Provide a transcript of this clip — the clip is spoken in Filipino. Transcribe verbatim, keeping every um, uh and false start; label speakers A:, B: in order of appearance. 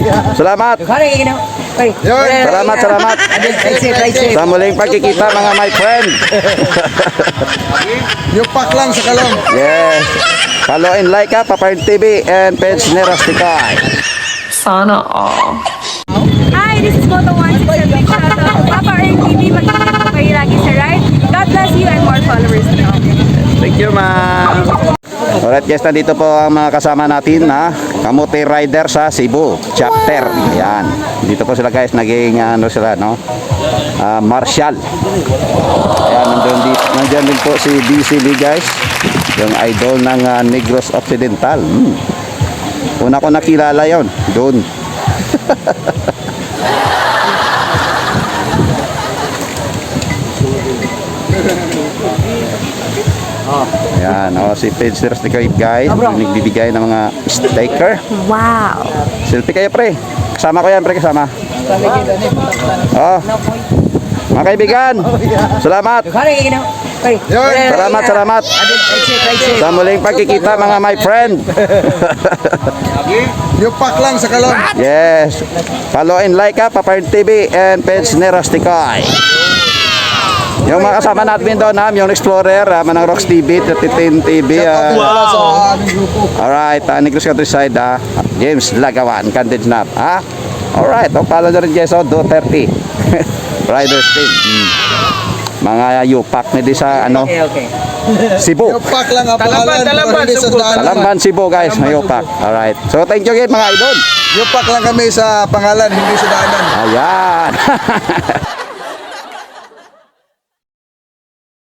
A: Salamat. Salamat, salamat. Sa muling pagkikita mga my friend.
B: Yupak lang sa kalong.
A: Yes. Follow and like ha, Papa Ern T V and page ni Rusticay.
C: Sana all.
D: Hi, this is Moto one six seven. Shout out Papa Ern T V. Magkikita po kayo lagi sa ride. God bless you and more followers to come.
A: Thank you, ma'am. Alright guys, nandito po ang mga kasama natin na Kamote Rider sa Cebu chapter. Ayan. Dito po sila guys, naging ano sila no? Uh, Marshall. Ayan, nandun, di, nandyan din po si D C B guys. Yung idol ng uh, Negros Occidental. Hmm. Una ko nakilala yon doon. Ayan, oh, si Page Rusticay guys, nagbibigay ng mga sticker.
D: Wow.
A: Selfie kayo pre. Kasama ko yan pre, kasama. Oh. Mga kaibigan, salamat. Salamat, salamat. Sa muling pagkikita mga my friend.
B: Yupak lang sa kalong.
A: Yes. Follow and like ha, Papa Ern T V and page ni Rusticay. Yung mga kasama natin doon ha, yung Explorer, uh, Manang Rocks T V, thirty ten T V. Uh,
B: Wow. Sa aming grupo.
A: alright, uh, Negros Countryside ha, James Lagawan, Candid Snap ha. Alright, o pala na rin guys, oh, do thirty. Riders team. Hmm. Mga yupak na di sa ano, Cebu.
B: Yupak lang ang pangalan.
C: Talamban,
B: Hindi sa daanan.
A: Talamban, Cebu guys, may yupak. Alright, so thank you guys mga idol.
B: Yupak lang kami sa pangalan, hindi sa daanan.
A: Ayan.